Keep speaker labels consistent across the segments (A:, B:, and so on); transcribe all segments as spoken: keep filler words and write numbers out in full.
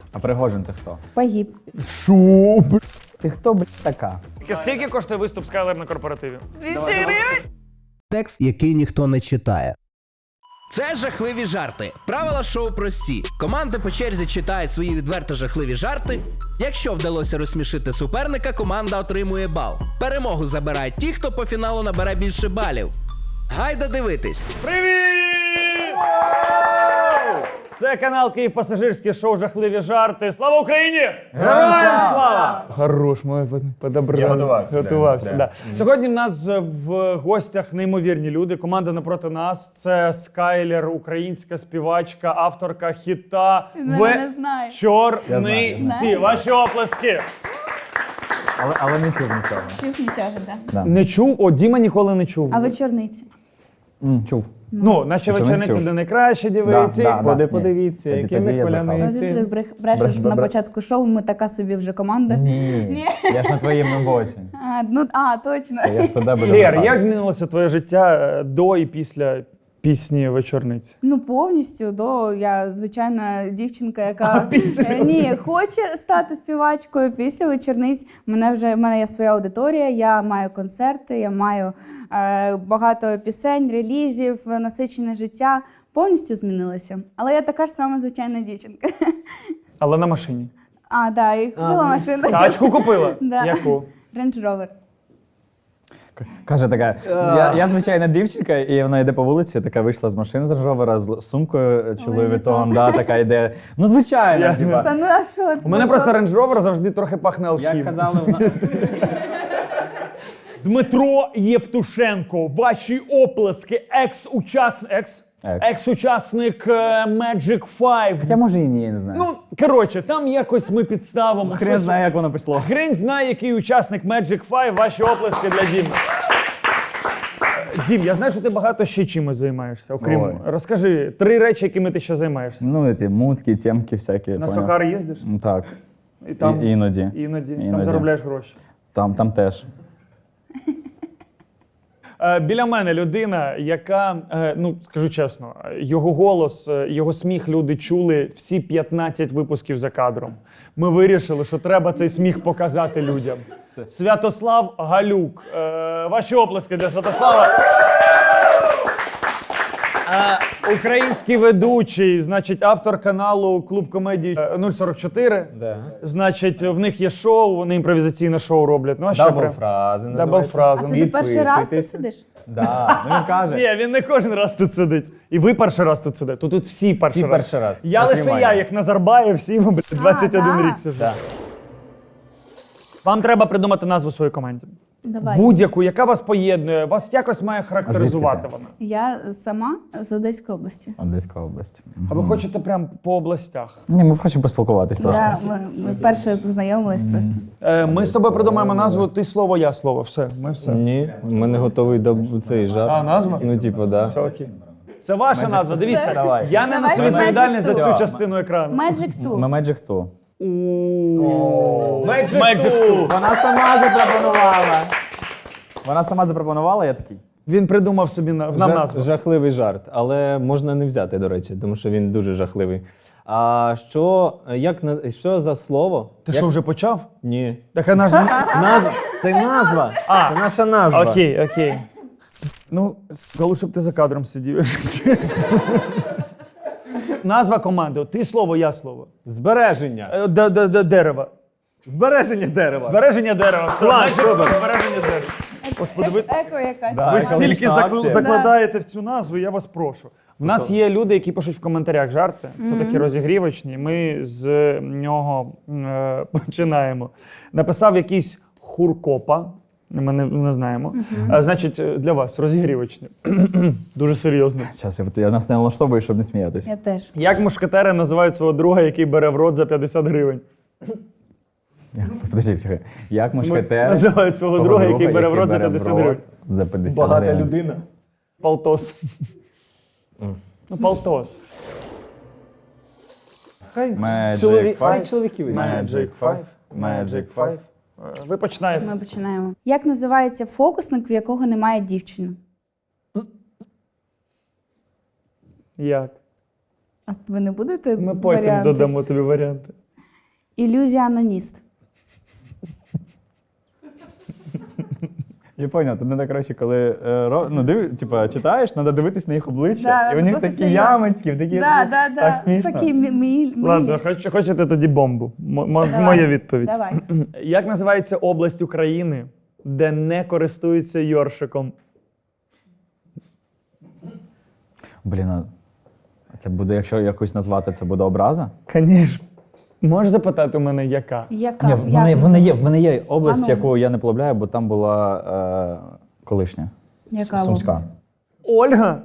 A: А Пригожин це хто?
B: Погиб.
A: Шо, б***? Ти хто, блядь, така?
C: Скільки коштує виступ Скайлер на корпоративі?
B: двісті гривень?
D: Текст, який ніхто не читає. Це жахливі жарти. Правила шоу прості. Команди по черзі читають свої відверто жахливі жарти. Якщо вдалося розсмішити суперника, команда отримує бал. Перемогу забирають ті, хто по фіналу набере більше балів. Гайда дивитись.
C: Привіт! Це канал Київ Пасажирське шоу «Жахливі жарти». Слава Україні! Героям слава! Хорош, ми подобрали.
A: Я готувався.
C: Готувався,
A: да,
C: да. Да. Сьогодні в нас в гостях неймовірні люди. Команда напроти нас – це Скайлер, українська співачка, авторка хіта
B: Мене не знаю.
C: «Вечорниці». Ваші оплески!
A: Але, але не чув нічого.
B: Чув нічого, так.
A: Да.
C: Не чув? О, Діма ніколи не чув.
B: А вечорниці?
A: М, чув.
C: Ну, наші
A: Вечорниці.
C: вечорниці де найкраще дивиться.
A: Да, да, да.
C: Поди
A: Ні.
C: подивіться,
A: Тоді-
C: які
A: тоді
C: ми
A: я збрехав.
C: коляниці.
B: Ти брешеш
A: Бреш-
B: на
A: бре-
B: початку шоу, ми така собі вже команда.
A: Ні.
B: Ні.
A: Я ж на твоєму боці.
B: А, ну, а, точно.
A: Я ж туди буду.
C: Лєр,
A: нападати.
C: як змінилося твоє життя е, до і після пісні «Вечорниці»?
B: Ну, повністю, до я звичайна дівчинка, яка е, ні, хоче стати співачкою після вечорниць. Мене вже в мене є своя аудиторія, я маю концерти, я маю е, багато пісень, релізів, насичене життя. Повністю змінилося. Але я така ж сама звичайна дівчинка.
C: Але на машині.
B: А, так, да, і купила машину.
C: Тачку купила?
B: Да.
C: Яку?
B: Range Rover.
A: Каже така, я, я звичайна дівчинка, і вона йде по вулиці, така вийшла з машини з Рожовера, з сумкою Louis Vuitton, да, така йде. Ну, звичайно,
C: Я-
A: типа.
B: Та ну а що?
C: У мене просто Range Rover завжди трохи пахне
A: Як
C: алхімією.
A: казали, в нас...
C: Дмитро Євтушенко, ваші оплески, екс-учасник, екс?
A: Екс.
C: екс-учасник е, Magic Five.
A: Хоча може і ні, я не знаю.
C: Ну, коротше, там якось ми підставимо.
A: хрен
C: щось-
A: знає, як воно пішло.
C: Хрен знає, який учасник Magic Five. Ваші оплески для Діми. Дім, я знаю, що ти багато ще чимось займаєшся. Окрім,
A: Ой.
C: розкажи три речі, якими ти ще займаєшся.
A: Ну, ці мутки, темки всякі.
C: На
A: поняв?
C: Сокар їздиш?
A: Ну, так.
C: І там
A: І, іноді.
C: іноді, там
A: Іноді.
C: заробляєш гроші.
A: Там, там теж.
C: Е, Біля мене людина, яка, е, ну скажу чесно, його голос, е, його сміх люди чули всі п'ятнадцять випусків за кадром. Ми вирішили, що треба цей сміх показати людям. Святослав Галюк. Е, Ваші оплески для Святослава. Е, Український ведучий, значить, автор каналу Клуб комедії е, нуль сорок чотири.
E: Да.
C: Значить, в них є шоу, вони імпровізаційне шоу роблять. Ну, а ще
E: Дабл
C: прям-
E: фрази
C: Дабл
E: називається.
C: фрази.
B: А це ти перший раз тут
E: Підписуйтесь.
B: сидиш?
A: Да. Ну, він каже.
C: Ні, він не кожен раз тут сидить. І ви перший раз тут сидите. Тут, тут всі перший
E: Всі
C: раз.
E: перший раз.
C: Я
E: Окрім
C: лише
E: Ані.
C: я, як Назарбаєв, всі ми, блядь, двадцять один
B: да.
C: рік сижу.
E: Да.
C: Вам треба придумати назву своїй команді.
B: Давай.
C: Будь-яку, яка вас поєднує, вас якось має характеризувати
A: А звідки
C: вона.
B: Я сама з Одеської області.
A: Одеська область.
C: А ви хочете прям по областях?
A: Ні, ми хочемо поспілкуватись трошки.
B: Да, ми, ми перше познайомились просто.
C: Е, ми з тобою придумаємо назву «Ти слово, я слово». Все, ми все.
E: Ні, в мене готовий до цей жарт.
C: А, назва?
E: Ну, типу, да.
C: Все окей. Це ваша назва, дивіться.
A: Давай.
C: Я не
B: Давай
C: несу
B: від
C: відповідальність за
B: Magic
C: цю
B: Two.
C: частину екрану.
B: Magic
A: Ми
B: Two.
A: Magic Two.
C: Magic Two.
A: Вона сама запропонувала. Вона сама запропонувала, я такий.
C: Він придумав собі на- нам
E: Жах-
C: назву.
E: Жахливий жарт, але можна не взяти, до речі, тому що він дуже жахливий. А що, як, на- що за слово?
C: Ти
E: Як-
C: що, вже почав?
E: Ні.
C: Так а назва.
E: Назва. Це назва.
C: А.
E: Це наша назва.
C: Окей, окей. Ну, коли щоб ти за кадром сидів, якщо чесно. Назва команди. Ти слово, я слово.
E: Збереження.
C: Е, д- д- д- Дерева.
E: Збереження дерева.
C: Збереження дерева. Все,
E: Клас,
C: значить,
E: супер.
C: збереження дерева. Господи, ви,
B: Еко якась.
E: Да.
C: ви
E: екологічна
C: стільки закл-
E: акція.
C: закладаєте в цю назву, я вас прошу. У нас є люди, які пишуть в коментарях жарти. Це такі розігрівочні. Ми з нього е, починаємо. Написав якийсь хуркопа. Ми не, не знаємо. Е, значить, е, для вас розігрівочні. Дуже серйозно.
A: Зараз, я, я нас не налаштовую, щоб не сміятися.
B: Я теж.
C: Як мушкетери називають свого друга, який бере в рот за п'ятдесят гривень?
A: Подожди, чекай. Як мушкетер
C: Називають свого друга, який бере в рот за п'ятдесят гривень.
A: За п'ятдесят
E: Багата
A: гривень.
E: людина.
C: Полтос. Ну, полтос.
E: Хай,
A: Magic
E: чоловік,
A: Five.
E: хай чоловіки вирішують.
A: Magic Five. Magic Five.
C: Е, Ви починаєте.
B: Ми починаємо. Як називається фокусник, в якого немає дівчини?
C: Як?
B: А ви не будете
C: Ми потім
B: варіанти?
C: додамо тобі варіанти.
B: Ілюзіоніст.
A: Я поняв, тут треба, коротше, коли е, ро- ну, див, типа, читаєш, треба дивитись на їх обличчя,
B: Да,
A: і у них
B: просто
A: такі
B: серйозно.
A: ямочки, такі,
B: Да,
A: ну,
B: да, да.
A: так смішно.
B: Такі мі- мі- мі-
C: Ладно, хоч, хочете тоді бомбу. М- м-
B: Давай.
C: моя відповідь.
B: Давай.
C: Як називається область України, де не користуються йоршиком?
A: Блін, а це буде, якщо якусь назвати, це буде образа?
C: Звісно. Можеш запитати у мене, яка?
B: Яка?
A: Ні, в
B: Як
A: мене, в мене є, в мене є
B: А
A: область,
B: ну.
A: яку я не полюбляю, бо там була е, колишня.
B: Яка
A: С- Сумська.
B: область?
C: Ольга?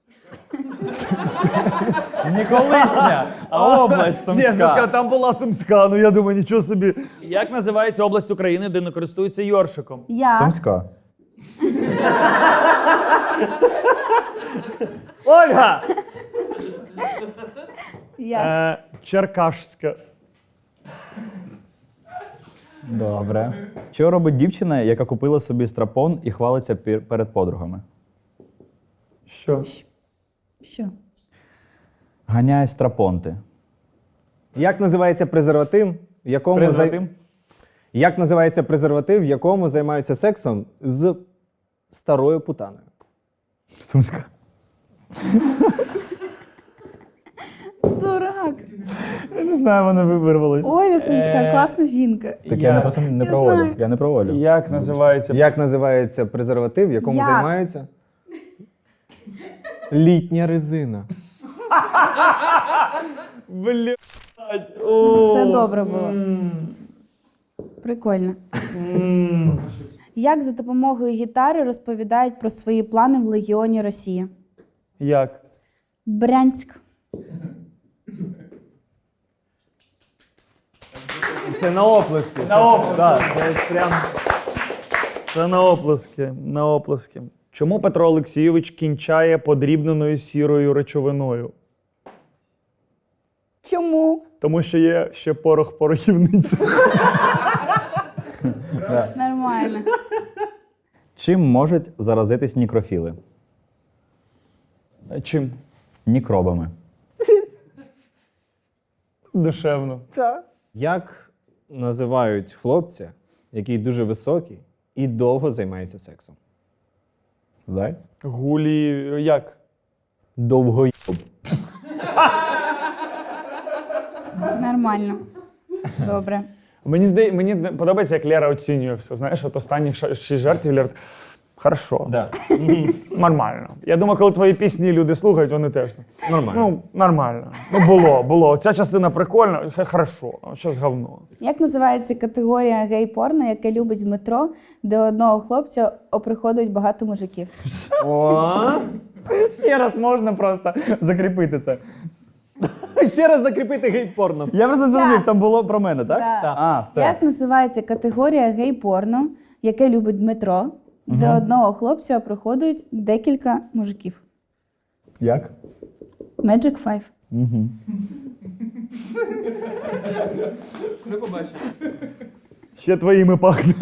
A: Не колишня, а область
C: Ні, ну, така, там була Сумська, ну я думаю, нічого собі. Як називається область України, де не користуються йоршиком?
B: Я.
A: Сумська.
C: Ольга!
B: Я.
C: Е, Черкашська.
A: Добре. Що робить дівчина, яка купила собі страпон і хвалиться пір- перед подругами?
C: Що?
B: Що?
A: Ганяє страпонти.
E: Як називається презерватив, в якому зай-
A: Презерватив?
E: Як називається презерватив, в якому займаються сексом з старою путаною?
A: Сумська.
B: Дурак.
C: Я не знаю, вона вирвалась.
B: Оля Сумська, класна жінка.
A: Так я, не просто не
B: Я
A: про Олю.
B: знаю.
A: Я не про Олю.
C: Як називається?
E: Як називається презерватив, в якому
B: Як?
E: займаються? Літня резина.
C: Блядь.
B: Це добре було. Прикольно. Як за допомогою гітари розповідають про свої плани в Легіоні Росії?
C: Як?
B: Брянськ.
E: Це на оплески.
C: На оплески. Так, це прям. Це на оплески. На оплески. Чому Петро Олексійович кінчає подрібненою сірою речовиною?
B: Чому?
C: Тому що є ще порох порохівниця.
B: Нормально.
A: Чим можуть заразитись нікрофіли?
C: Чим?
A: Нікробами.
C: Душевно.
E: Як називають хлопця, який дуже високий і довго займається сексом?
A: Заяць?
C: Гулі. Як?
E: Довгойоб.
B: Нормально. Добре.
C: Мені здає, мені подобається, як Лера оцінює все. Знаєш, от останніх ша- шість жартів Лера. Хорошо.
E: Да.
C: Нормально. Я думаю, коли твої пісні люди слухають, вони теж.
E: Нормально.
C: Ну, нормально. Ну, було, було. Ця частина прикольна, хе- хорошо. А щас говно.
B: Як називається категорія гей-порно, яке любить Дмитро, де одного хлопця оприходують багато мужиків?
A: Ще раз можна просто закріпити це.
E: Ще раз закріпити гей-порно.
A: Я просто не
B: Так.
A: зрозумів, там було про мене, так?
B: Так.
A: А, все.
B: Як називається категорія гей-порно, яке любить Дмитро, де одного хлопця оприходують декілька мужиків?
A: Як?
B: Magic Five.
C: Ще твоїми пахне.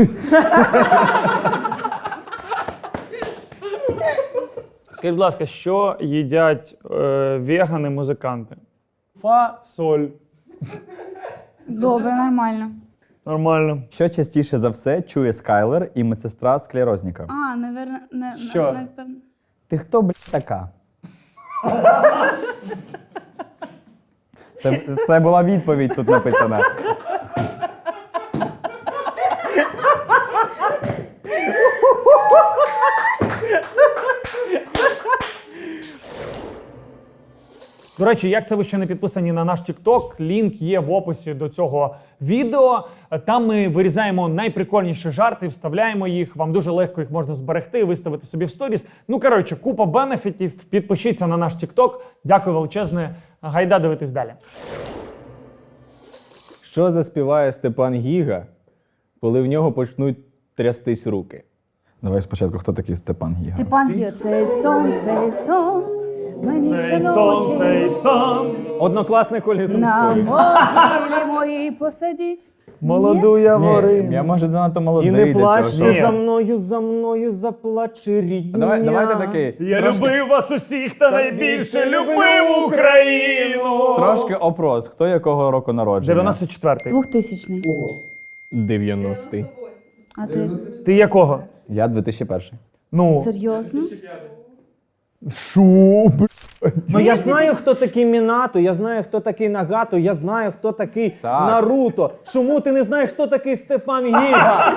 C: Скажіть, будь ласка, що їдять е, вегани-музиканти? Фа-соль.
B: Добре, нормально.
C: Нормально.
A: Що частіше за все чує Скайлер і медсестра склерозніка?
B: А, наверно, не,
C: Що?
B: не, напевно.
A: Ти хто, блядь, така? Це, це була відповідь тут написана.
C: До речі, як це ви ще не підписані на наш TikTok, лінк є в описі до цього відео. Там ми вирізаємо найприкольніші жарти, вставляємо їх. Вам дуже легко їх можна зберегти, виставити собі в сторіс. Ну, коротше, купа бенефітів. Підпишіться на наш TikTok. Дякую величезне. Гайда дивитись далі.
E: Що заспіває Степан Гіга, коли в нього почнуть трястись руки?
A: Давай спочатку, хто такий Степан Гіга?
B: Степан Гіо, цей сон, цей сон. Мені
C: Цей сон, цей сон.
E: Однокласник Ольги
B: на
E: Сумської.
B: могилі моїй посадіть.
C: Молоду
A: Ні,
C: яворину.
A: я може занадто молодий.
E: І не
A: для
E: плач
A: цього
E: ти
A: шоу.
E: за мною, за мною заплаче рідня.
A: Давай, давайте такий.
C: Я
A: трошки,
C: любив вас усіх та найбільше любив Україну.
A: Трошки опрос. Хто якого року народження?
C: дев'яносто четвертий.
B: Двохтисячний.
E: дев'яностий.
B: А ти?
C: Ти якого?
A: Я дві тисячі перший.
C: Ну,
B: Серйозно?
C: шо, б***ь.
E: Ну я ж знаю, хто такий Мінато, я знаю, хто такий Нагато, я знаю, хто такий
A: Так.
E: Наруто. Чому ти не знаєш, хто такий Степан Гіга?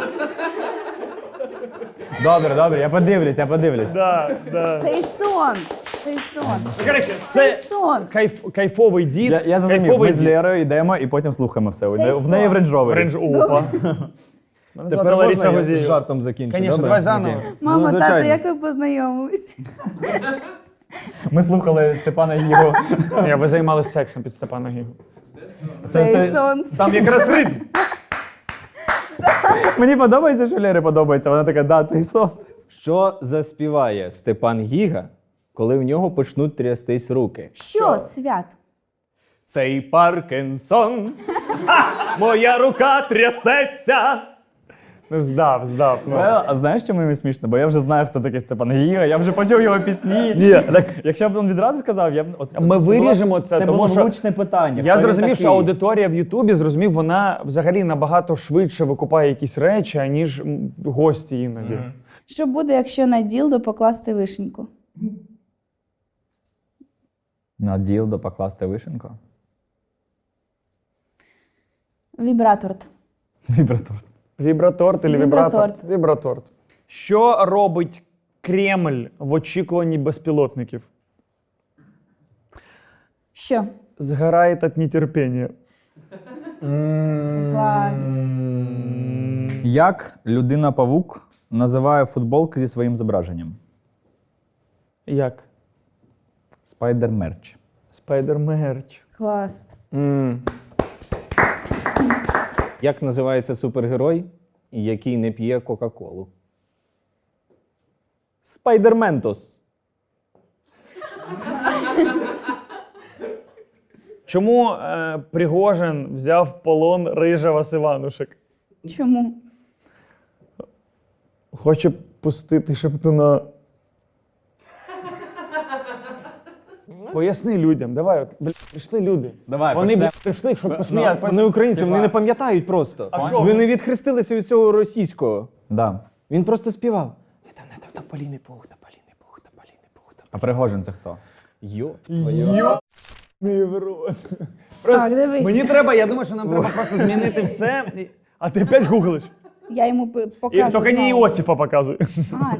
A: Добре, добре, я подивлюсь, я подивлюсь.
C: Да, да.
B: Цей сон. Цей сон.
C: Коротше,
B: Цей
C: це
B: сон.
C: кайф, кайфовий дід.
A: Я, я зрозумів,
C: кайфовий
A: ми з Лєрою йдемо і потім слухаємо все.
B: Цей
A: В неї в
B: сон.
A: Range Rover.
C: Рендж Опа. Мене звати
E: Тепер
C: Лариса
E: можна я з
C: Гузєєва.
E: жартом закінчу?
C: Конечно,
E: добре?
C: давай заново.
E: Окей.
B: Мама,
E: Ну,
B: тато,
E: звичайно.
B: як ви познайомились?
A: Ми слухали Степана Гігу.
C: Ні, ви займалися сексом під Степана Гігу.
B: Цей сон.
C: Там якраз ритм.
A: Мені подобається, що Лєрі подобається. Вона така, да, цей сон.
E: Що заспіває Степан Гіга, коли в нього почнуть трястись руки?
B: Що, свят?
E: Цей Паркінсон, моя рука трясеться.
C: Ну, здав, здав. Ну.
A: А, а знаєш, чому мені смішно? Бо я вже знаю, хто такий Степан Гіга, я вже почув його пісні.
C: Ні, так
A: Якщо б він відразу сказав, я б... От,
C: Ми виріжемо це,
A: це
C: тому
A: було
C: що
A: влучне питання.
C: я
A: Хто він
C: зрозумів, що
A: такий?
C: аудиторія в Ютубі зрозумів, вона взагалі набагато швидше викупає якісь речі, аніж м, гості іноді.
B: Що буде, якщо на ділдо покласти вишеньку?
A: На ділдо покласти вишенку?
B: Вібраторт.
A: Вібраторт.
C: Вібраторт чи вібратор?
B: Вібраторт.
C: Вібраторт. Що робить Кремль в очікуванні безпілотників?
B: Що?
C: Згорає від нетерпіння.
B: Клас.
A: Як людина-павук називає футболки зі своїм зображенням?
C: Як?
A: Спайдер-мерч.
C: Спайдер-мерч.
B: Клас.
E: М. Як називається супергерой, який не п'є Кока-Колу? Спайдерментос.
C: Чому е, Пригожин взяв в полон Рижева з Іванушек?
B: Чому?
C: Хоче пустити Шептуна. Поясни людям, давай, от, бля, прийшли люди.
A: Давай,
C: Вони
A: почнемо.
C: бля, прийшли, щоб посміяти.
E: Вони українці, вони не пам'ятають просто.
C: А що?
E: Вони відхрестилися від цього російського.
A: Да.
E: Він просто співав. Я там не там тополіний пух, тополіний пух, тополіний пух.
A: А Пригожин це хто?
E: Йо.
C: Йо, мій в рот.
B: Так, дивись.
C: Мені треба, я думаю, що нам треба просто змінити все. І- А ти опять гуглиш.
B: Я йому п-
C: І,
B: покажу.
C: тільки не
B: знову.
C: Іосифа показуй.
B: А,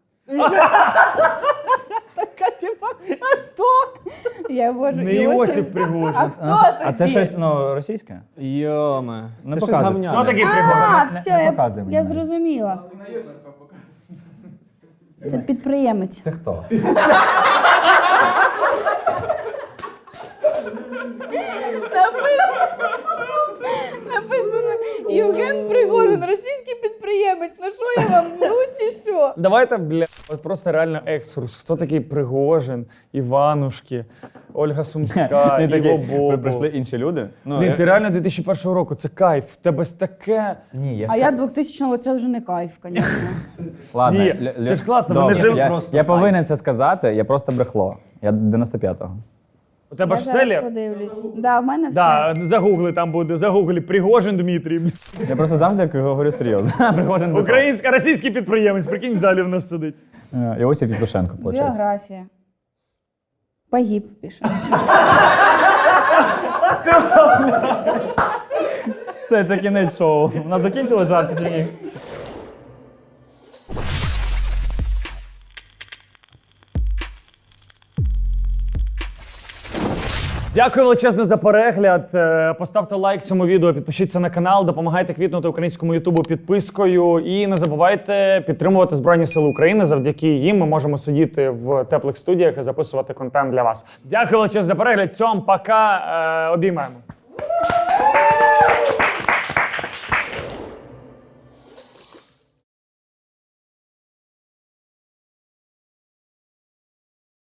E: Така типа,
B: я ввожу
C: Не
B: Іосиф.
C: Іосиф Пригожин.
B: А хто
A: А це
B: такий?
A: щось ну, російське?
E: Йоме.
A: Не
E: Це щось
A: показуй.
E: гавняне.
C: Хто такий
B: А,
C: Пригожин?
B: все,
A: не
B: я,
A: показуй мені
B: я
A: навіть.
B: зрозуміла. Це підприємець.
A: Це хто?
B: Написано Євген Пригожин, російський підприємець. Ну що я вам вру чи що?
C: Давайте, бля, от просто реально екскурс. Хто такий Пригожин, Іванушки, Ольга Сумська,
A: Ні, такі,
C: Іво
A: при-
C: Бобо.
A: прийшли інші люди. Ну,
C: Блін,
A: я-
C: ти реально дві тисячі першого року, це кайф. В тебе ж таке.
A: Ні, я
B: А
A: ж
B: я
A: так-
B: двохтисячного, це вже не кайф, звісно.
A: Ладно,
C: Ні,
A: Лю- Лю-
C: це ж класно,
A: Добре,
C: вони жили
A: я,
C: просто.
A: Я повинен це сказати, я просто брехло. Я дев'яносто п'ятого.
C: У тебе
B: Я
C: ж
B: зараз
C: селі?
B: подивлюсь. Да, в мене все.
C: Да, загугли там буде, загуглі Пригожин Дмитрій. бля.
A: Я просто завжди говорю серйозно. Пригожин Дмитро.
C: Українська, російський підприємець, прикинь, в залі в нас сидить.
A: Е, Іосиф Євтушенко, виходить.
B: Біографія. Погиб, пише.
A: Все, це кінець шоу. У нас закінчили жарти чи ні?
C: Дякую величезне за перегляд. Е, Поставте лайк цьому відео, підпишіться на канал, допомагайте квітнути українському ютубу підпискою. І не забувайте підтримувати Збройні Сили України. Завдяки їм ми можемо сидіти в теплих студіях і записувати контент для вас. Дякую величезне за перегляд. Цьом, пока. Е, Обіймаємо.